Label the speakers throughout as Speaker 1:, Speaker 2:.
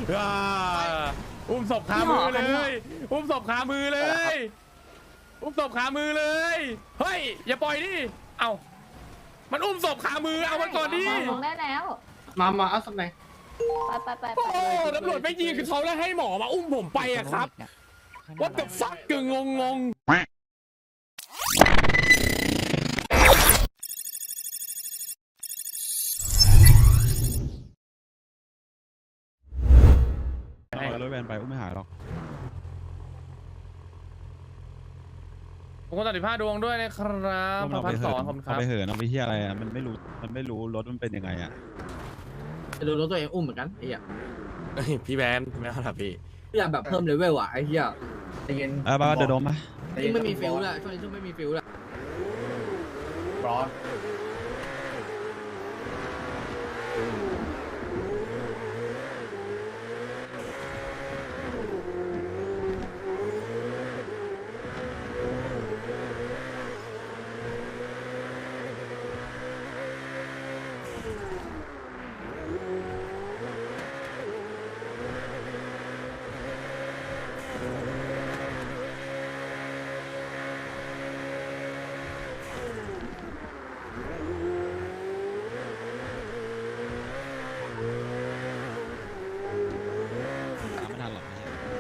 Speaker 1: อุ้มศพขามือเลยอุ้มศพขามือเลยอุ้มศพขามือเลยเฮ้ยอย่าปล่อยดิเอ้ามันอุ้มศพขามือเอามันก่อนดิ
Speaker 2: ลงได้แล้ว
Speaker 3: มาเอาสักไหน
Speaker 2: ไป
Speaker 1: โอ้ตำรวจไม่ยิงคือเขาแล้วให้หมอมาอุ้มผมไปอะครับว่าแต่ฟักกึ่งงง
Speaker 4: เอารถแวนไปอุ้มไม่หายหรอก
Speaker 1: ผมก็ตัด15ดวงด้วยนะครับ1,200ผมครับ
Speaker 4: เอาไปเหินเอาไปที่อะไรอ่ะมันไม่รู้รถมันเป็นยังไงอ่ะ
Speaker 3: จะดูรถตัวเองอุ้มเหมือนกันไอ้เหี้ย
Speaker 1: พี่แบนไม่เอาละพี่
Speaker 3: อยากแบบเพิ่มเลเวลอ่ะไอ้เหี้ยใจเย็น
Speaker 4: บ้าเดินดมไหม
Speaker 3: ช่วงไม่มีฟิลแล้วช่วงนี้ช่วงไม่มีฟิลแล้วร้อน
Speaker 4: ไม่ทันหรอก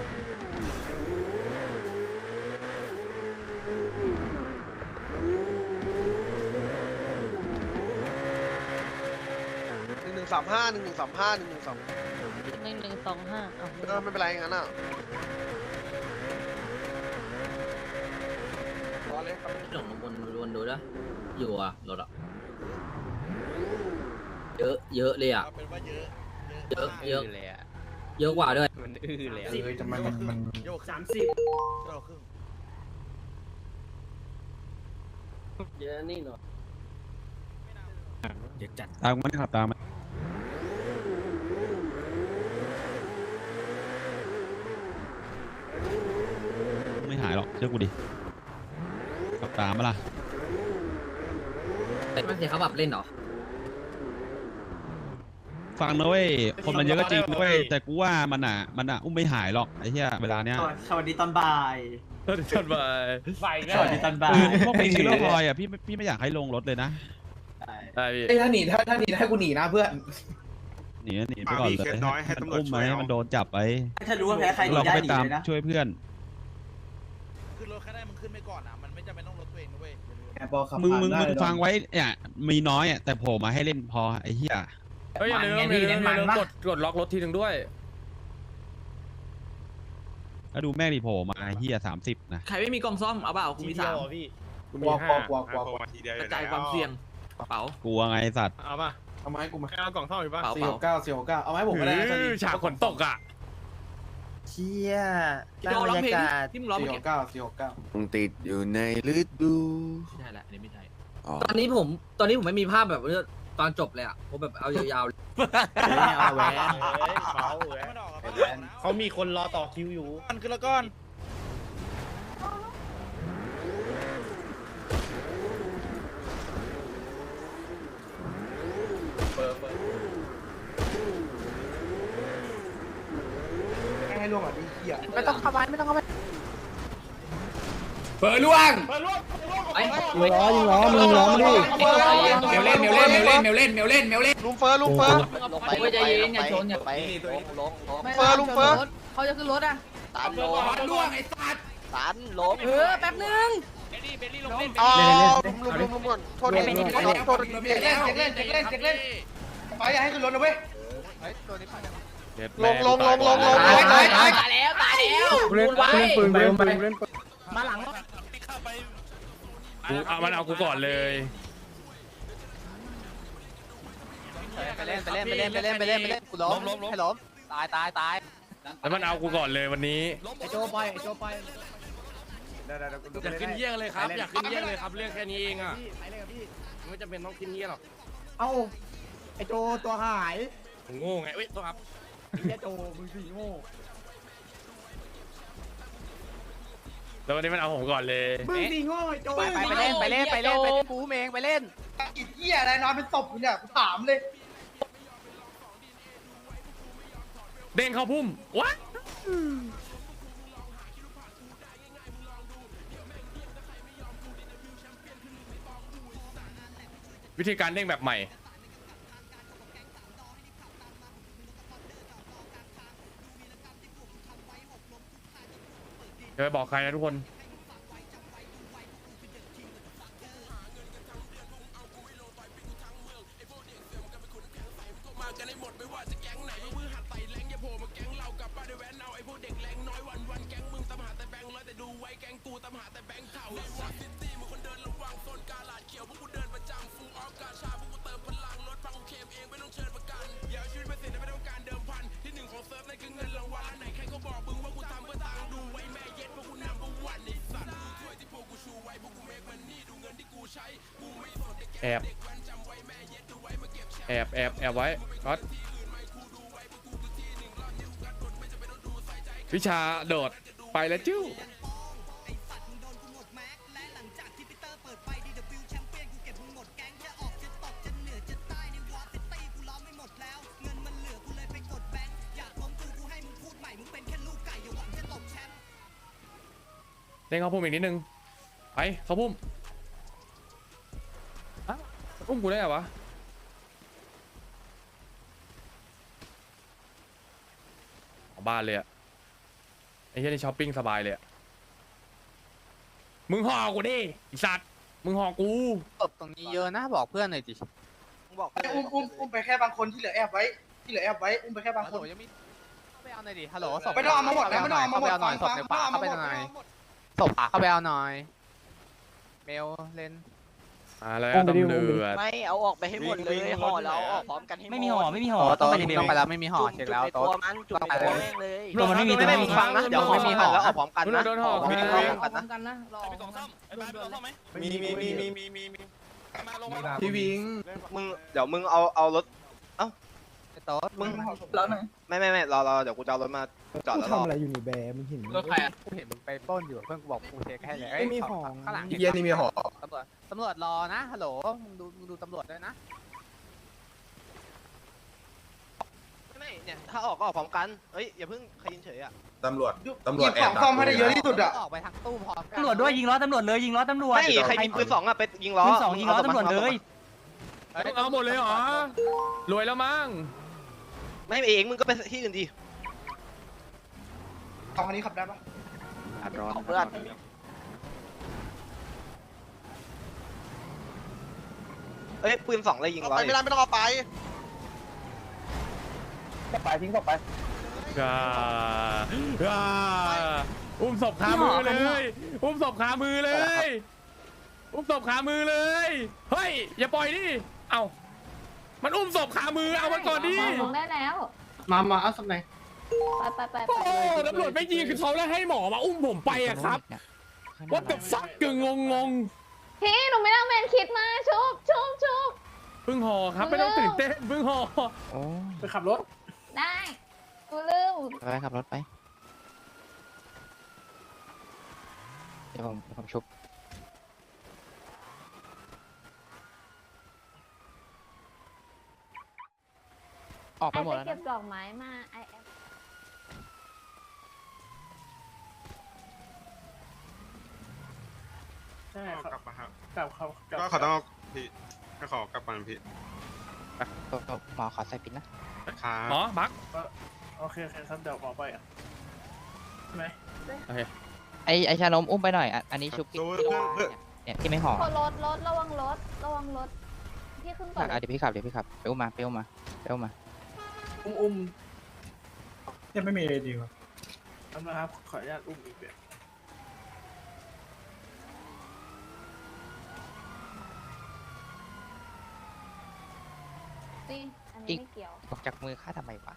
Speaker 2: 1125เอา
Speaker 5: ไม่เป็นไรงั้นอ่ะรอเลยครับ
Speaker 3: หลงวนดูนะอยู่อ่ะรถอ่ะเยอะเลยอ่ะ
Speaker 5: เป็นว่าเยอะ
Speaker 3: เยอะ
Speaker 1: เลยอะ
Speaker 3: เยอะกว่าด้วย
Speaker 1: มันเลย
Speaker 5: จะมันโยก30โยกครึ่ง
Speaker 3: เยอะนี่หน่อยเยอะจัด
Speaker 4: ตามมันขับตามมันไม่หายหรอกเชื่อกูดิขับตามมาล่ะ
Speaker 3: มันเสียเขาแบบเล่นเหรอ
Speaker 4: ฟังนะเว้ยคนมันเยอะก็จริงนะเว้ยแต่กูว่ามันอ่ะอุ้มไม่หายหรอกไอ้เหี้ยเวลาเนี้ย
Speaker 6: สวัสดีตอนบ่าย
Speaker 1: สวัสดีตอนบ่ายไฟ
Speaker 6: สวัสดีตอนบ่าย
Speaker 4: พวกเพลงซีโร่พลอยอ่ะพี่ไม่อยากให้ลงรถเลยนะ
Speaker 1: ได้พี่
Speaker 7: ไอ้ถ้าหนีให้กูหนีนะเพื่อน
Speaker 4: หนีไปก่อนเลยมันอุ้มไหมมันโดนจับไป
Speaker 6: ถ้ารู้ว่าแพ้ใครหนี
Speaker 4: เราก็
Speaker 6: ได้
Speaker 4: ไป
Speaker 6: หนี
Speaker 4: ตาม
Speaker 6: เลยนะ
Speaker 4: ช่วยเพื่อน
Speaker 5: ขึ้นรถแค่ได้มึงขึ้นไปก่อนอ่ะมันไม่จำเป็นต้องรถตัวเองนะเว้ย
Speaker 4: มึงฟังไว้เนี่ยมีน้อยอ่ะแต่โผล่มาให้เล่นพอไอ้เหี้ย
Speaker 1: เฮ้ยอย่าลืมกดล็อกรถทีนึงด้วย
Speaker 4: แล้วดูแม่งดิโผล่มาเหี้ย30นะ
Speaker 3: ใครไม่มีกล่องซ่อมเอาเปล่าคุณมี3
Speaker 7: กลัว
Speaker 3: กระจายความเสี่ยงกระเป๋าก
Speaker 4: ลัวไงสัตว์
Speaker 1: เอาป่ะ
Speaker 7: เอาไม้กูมา
Speaker 1: เอากล่องท่อมอีกป่ะ
Speaker 7: 469เอาไม้ผมก็ได้นะ
Speaker 1: ฉากฝนตกอ่ะ
Speaker 6: เชี่ย
Speaker 3: พี่โดร้องเพลงที่มึงร้องเมื่อกี้
Speaker 7: 469
Speaker 8: คงติดอยู่ในฤดู
Speaker 3: ไม่ใช่แหละอันนี้ไม่ใช่
Speaker 8: อ๋อ
Speaker 3: ตอนนี้ผมไม่มีภาพแบบตอนจบเลยอ่ะผมแบบเอายาวๆเลย
Speaker 6: เอาแหวน
Speaker 5: เขามีคนรอต่อคิวอยู่มันขึ้นแล้วก้อน
Speaker 7: ให้ล่วงอ่ะดิเหี้ย
Speaker 2: ไม่ต้องเข้าไปไม่ต้องเข้าไป
Speaker 1: เปิดล่วง
Speaker 3: ไอ้
Speaker 7: ยิงล้อมึงล้อมาดิ
Speaker 3: เมลเล่น
Speaker 5: ลุงเฟอร์
Speaker 8: ลงไป
Speaker 3: ใจเย็นอย่าชนอย่า
Speaker 8: ไปลง
Speaker 5: ลุงเฟอร์
Speaker 2: เขาจะขึ้นรถอ่ะ
Speaker 8: ตันลง
Speaker 3: ล่วงไอ้สัตว์
Speaker 8: ตันลง
Speaker 2: แป๊บนึง
Speaker 5: อ๋อลุงก่อนโทษทีโทษที
Speaker 7: เจ็กเล่นไปอย่าให้ขึ้นรถนะเว้ย
Speaker 5: ลง
Speaker 3: ตายแล้วเล่นปืนไว้
Speaker 2: มาหลังรถ
Speaker 1: เอามันเอากูก่อนเลย
Speaker 8: ไปเล่นกูล้มให้ล้มตาย
Speaker 1: แล้วมันเอากูก่อนเลยวันนี้
Speaker 3: ไอ้โจไป
Speaker 1: อยากขึ้นเยี่ยงเลยครับอยากขึ้นเยี่ยงเลยครับเรื่องแค่นี้เองอ่ะไม่จำเป็นต้องขึ้นเยี่ยงหรอก
Speaker 7: เอ้าไอ้โจตัวหาย
Speaker 1: ผมโง่ไงเอ้ยตัวครับ
Speaker 7: ไอ้โจมึงสีโง่
Speaker 1: แล้ววันนี้มันเอาผมก่อนเลย
Speaker 7: มึงสีโง่ไอ้โจ
Speaker 8: ไปเล่นปูเมงไปเล่น
Speaker 7: อีเหี้ยอะไรนอนเป็นศพอยู่เนี่ยกูถามเลย
Speaker 1: เด้งเข้าพุ่มวัดวิธีการเด้งแบบใหม่อย่าไปบอกใครนะทุกคนแอบไว้ก๊อตวิชาโดดไปแล้วจิ้วเด้งเข้าพุ่มอีกนิดนึงไปเข้าพุ่มอุ้มกูได้เหรอวะของบ้านเลยอะไอ้เหี้ยนี่ช้อปปิ้งสบายเลยอะมึงห่อกูดิไอ้สัตว์มึงห่อกู
Speaker 8: ตบตรงนี้เยอะนะบอกเพื่อนหน่อยดิบอก
Speaker 7: อุ้มไปแค่บางคนที่เหลือแอบไว้อุ้มไปแค่บาง
Speaker 8: ฮัล
Speaker 7: ค
Speaker 8: โหล
Speaker 7: น
Speaker 8: ยังมีเข้าไปเอาหน่อยดิฮัลโหลศพ
Speaker 7: ไม่ต้องเอามาหมดแล้วไม่ต้องเอามาหมด
Speaker 8: เข้าไปเอาหน่อยศพในป่าเข้าไปหน่อยศพป่าเข้าไปเอาหน่อยเมลเลน
Speaker 1: มาแล้วตำรวจ
Speaker 9: ไม่เอาออกไปให้หมดเลยห่อแล้วออกพร้อมกันให้หมด
Speaker 6: ไม่มีห่อไม่มีห่อ
Speaker 8: ต้องไปแล้วไม่มีห่อเช็คแล้ว
Speaker 9: ตัวมันจุดในตัวแม่งเลย
Speaker 6: ตัวมันไม่มีตัว
Speaker 8: ไม่มีฟังนะเดี๋ยวไม่มีห่อแล้วออกพร้อมกันนะ
Speaker 1: โดนห่อ
Speaker 8: ไม่มี
Speaker 2: พ
Speaker 8: ห่อ
Speaker 2: ร้
Speaker 8: พร้อมกัน
Speaker 2: อ
Speaker 8: นะ
Speaker 2: มกันนะรอ
Speaker 5: ไปกล่องซ่อมไอ้บ้านไปกล่องซ่อมไหม
Speaker 6: มี
Speaker 5: มาลงมา
Speaker 3: พี่วิง
Speaker 8: มึงเดี๋ยวมึงเอารถไอ้โต๊ดมึง
Speaker 2: แล้วหน่อย
Speaker 8: ไม่รอเดี๋ยวกูจะเอารถมาจอดแล้วรอ
Speaker 6: ทำอะไรอยู่นี่แบมึงเห็น
Speaker 3: รถใครอ่ะ
Speaker 8: กูเห็นมึงไปปล้นอยู่เพื่อนกูบอกกูเช็คให้เลย
Speaker 6: ไม่มีห่อ
Speaker 8: ข้างหลัง
Speaker 3: เย็นนี่มีห่อ
Speaker 8: ตำรวจรอนะฮัลโหลมึงดูตำรวจด้วยนะไม่เนี่ยถ้าออกก็ออกพร้อมกันเอ้ยอย่าเพิ่งใครยินเฉยอ่ะ
Speaker 6: ตำรวจ
Speaker 7: หยิบของซ่อมให้ได้เยอะที่สุดอะ
Speaker 8: ออกไปทางตู้พร้อมกัน
Speaker 6: ตำรวจด้วยยิงล้อตำรวจเลยยิงล้อตำรวจ
Speaker 8: ไม่ใครมีปืนสองอ่ะไปยิงล้อ
Speaker 6: ปืนสองยิงล้อตำรวจเลย
Speaker 1: เอาหมดเลยเหรอรวยแล้วมั้ง
Speaker 8: ไม่เองมึงก็ไปที่อื่นดิ
Speaker 7: สองคันนี้ขับได้ปะ
Speaker 9: ของเพื่อน
Speaker 8: เอ้ยปืนสองเลยยิงล้อ
Speaker 5: ไม่ต้องเอาไป
Speaker 6: ไปทิ้งศพไป
Speaker 1: อุ้มศพขามือเลยอุ้มศพขามือเลยอุ้มศพขามือเลยเฮ้ยอย่าปล่อยดิเอ้ามันอุ้มศพขามือเอามันก่อนดิ
Speaker 2: ลงได้แล้ว
Speaker 7: มาเอาสักไหน
Speaker 2: ไป
Speaker 1: โอ้ตำรวจไม่ยิงคือเขาแล้วให้หมอมาอุ้มผมไปอะครับว่าแต่ฟักกึ่งงง
Speaker 2: พี่หนูไม่ต้องเป็นคิดมาชุบ
Speaker 1: เพิ่งห่อครับไม่ต้องตื่นเต้นเพิ่งห่อ
Speaker 7: ไปขับรถ
Speaker 2: ได้กูลืม
Speaker 8: ไปขับรถไปเดี๋ยวผมชุบออกไปหมดแล้ว
Speaker 2: เก็
Speaker 8: นะ
Speaker 2: บดอกไม้มาไอแอฟ
Speaker 7: ใช่
Speaker 10: กลับมาครับ
Speaker 7: กลับ
Speaker 10: ก็ขอต้องเอาพี่ก็ขอกลับก่อนพี่
Speaker 8: หมอขอใส่ปิดนะ
Speaker 10: นะครับ
Speaker 1: หมอบัก
Speaker 7: โอเคครับเดี๋ยวออกไปอ่ะใช่ไหม
Speaker 8: ไอชานมอุ้มไปหน่อยอันนี้ชุบ
Speaker 10: ดูเพื่อน
Speaker 8: เนี่ยที่ไม่ห่อ
Speaker 2: รถระวังรถพี่ขึ้นก่อน
Speaker 8: เดี๋ยวพี่ขับไปอุ้มมา
Speaker 7: อุ้มยังไม่มีอะไรดีกว่าทำนะครับขออนุญาตอุ้มอีกแบบ
Speaker 2: นี่อันนี้ไม่เกี่ยว
Speaker 8: ออกจากมือข้าทำไมวะ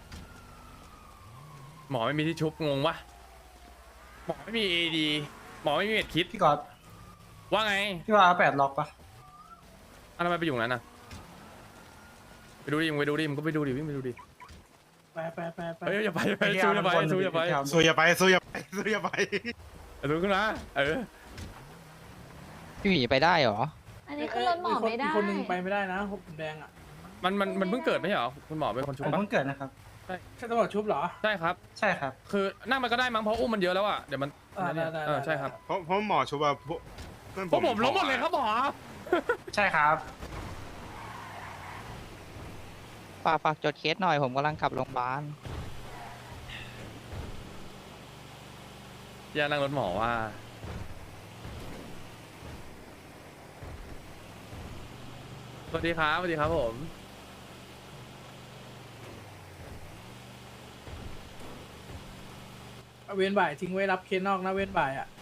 Speaker 1: หมอไม่มีที่ชุบงงวะหมอไม่มีเอดีหมอไม่มีเม็ดคิด
Speaker 7: พี่ก๊อต
Speaker 1: ว่าไง
Speaker 7: พี่ว่า8ล็อกปะ
Speaker 1: ทำไมไปอยู่นั้นน่ะไปดูดิมึงไปดูดิมึงก็ไปดูดิวิ่งไปดูดิ
Speaker 7: ไป
Speaker 1: เฮ้ยอย่าไปสู้อย่าไปสู้อย่าไป
Speaker 10: สู้อย่าไปสู้อย่าไปสู้อย่าไป
Speaker 1: สู้ขึ้นมา
Speaker 8: พี่หมีไปได้เหรอ
Speaker 2: อันนี้ขึ้นรถหมอไม่ได้
Speaker 7: คนนึงไปไม่ได้นะผมแดงอ่ะ
Speaker 1: มันเพิ่งเกิดไม่ใช่เหรอคุณหมอเป็นคนชุบ
Speaker 7: ผม
Speaker 1: ปะ
Speaker 7: เพิ่งเกิดนะครับใช่ตำรวจชุบเหรอ
Speaker 1: ใช่ครับ
Speaker 6: ใช่ครับ
Speaker 1: คือนั่งมันก็ได้มั้งเพราะอุ้มมันเยอะแล้วอ่ะเดี๋ยวมัน
Speaker 7: ได้
Speaker 1: ใช่ครับ
Speaker 10: เพราะหมอชุบว่าพวกเพื่อน
Speaker 1: พวกผมล้มหมดเลยครับหมอ
Speaker 6: ใช่ครับ
Speaker 9: ฝากจดเคสหน่อยผมกำลังกลับโรงพยาบาล
Speaker 1: อย่านั่งรถหมอว่าสวัสดีครับสวัสดีครับผม
Speaker 7: เว้นบ่ายทิ้งไว้รับเคสนอกนะเว้นบ่ายอ่ะ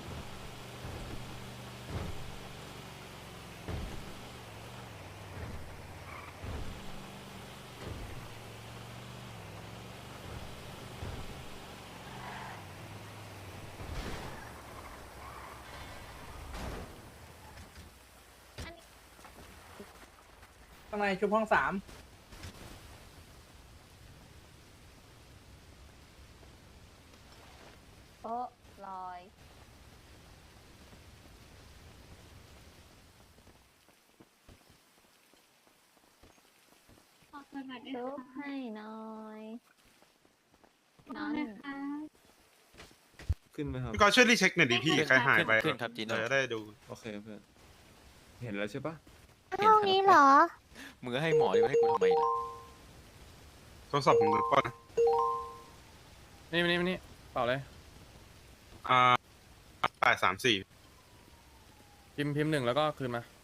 Speaker 7: ข้างในชุบห้อง3
Speaker 2: โต๊ะลอยชุบให้หน่อยนั่น
Speaker 11: ขึ้นไหมครับ
Speaker 10: พี่กอล์ฟช่วยรีเช็คหน่อยดิพี่ใครหายไป
Speaker 11: ขึ้นครับจีโน่
Speaker 10: จะได้ดู
Speaker 11: โอเคเพื่อน เห็นแล้วใช่ปะ
Speaker 2: ห้องนี้เหรอ
Speaker 11: มึงก็ให้หมอดีกว่าให้กูทำไมล่ะ
Speaker 10: โทรศัพท์ผมดูก่อนนะ
Speaker 1: นี่เปล่าเลย
Speaker 10: 834
Speaker 1: พิมพ์1แล้วก็คืนมา